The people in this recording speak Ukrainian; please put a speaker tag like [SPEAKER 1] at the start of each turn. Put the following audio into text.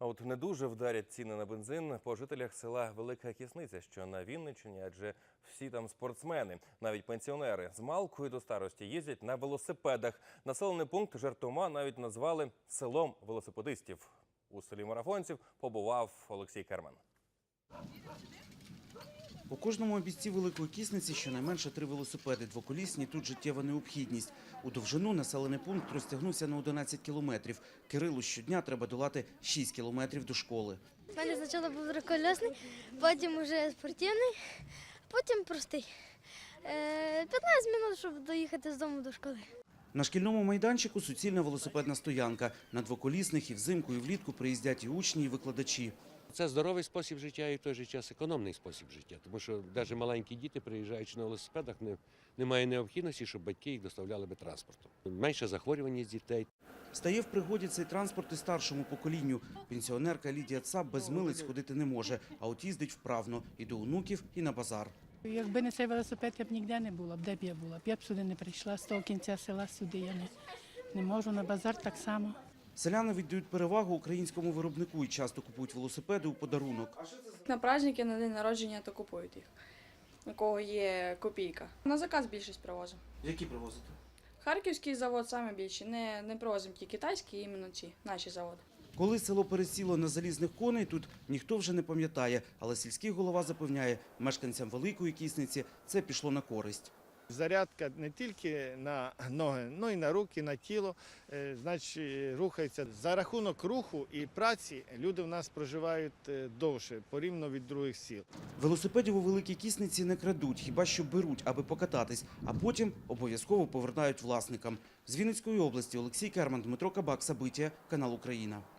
[SPEAKER 1] А от не дуже вдарять ціни на бензин по жителях села Велика Кісниця, що на Вінниччині, адже всі там спортсмени, навіть пенсіонери з малкою до старості їздять на велосипедах. Населений пункт жартома навіть назвали селом велосипедистів. У селі марафонців побував Олексій Керман.
[SPEAKER 2] У кожному обійсті Великої Кісниці щонайменше 3 велосипеди. Двоколісні – тут життєва необхідність. У довжину населений пункт розтягнувся на 11 кілометрів. Кирилу щодня треба долати 6 кілометрів до школи.
[SPEAKER 3] У мене спочатку був триколісний, потім вже спортивний, потім простий. 15 хвилин, щоб доїхати з дому до школи.
[SPEAKER 2] На шкільному майданчику суцільна велосипедна стоянка. На двоколісних і взимку, і влітку приїздять і учні, і викладачі.
[SPEAKER 4] Це здоровий спосіб життя і в той же час економний спосіб життя, тому що навіть маленькі діти, приїжджаючи на велосипедах, немає необхідності, щоб батьки їх доставляли би транспортом. Менше захворюваність дітей.
[SPEAKER 2] Стає в пригоді цей транспорт і старшому поколінню. Пенсіонерка Лідія Цап без милиць ходити не може, а от їздить вправно і до онуків, і на базар.
[SPEAKER 5] Якби не цей велосипед, я б ніде не була, де б я була. Я б сюди не прийшла, з того кінця села сюди я не можу, на базар так само.
[SPEAKER 2] Селяни віддають перевагу українському виробнику і часто купують велосипеди у подарунок.
[SPEAKER 6] На праздники, на день народження то купують їх, у кого є копійка. На заказ більшість привозимо.
[SPEAKER 2] Які привозите?
[SPEAKER 6] Харківський завод саме більше, не привозимо ті китайські, іменно ці, наші заводи.
[SPEAKER 2] Коли село пересіло на залізних коней, тут ніхто вже не пам'ятає, але сільський голова запевняє, мешканцям Великої Кісниці це пішло на користь.
[SPEAKER 7] Зарядка не тільки на ноги, але й на руки, на тіло, значить рухається. За рахунок руху і праці люди в нас проживають довше, порівняно від других сіл.
[SPEAKER 2] Велосипедів у Великій Кісниці не крадуть, хіба що беруть, аби покататись, а потім обов'язково повертають власникам. З Вінницької області Олексій Керман, Дмитро Кабак, Сабиття, канал Україна.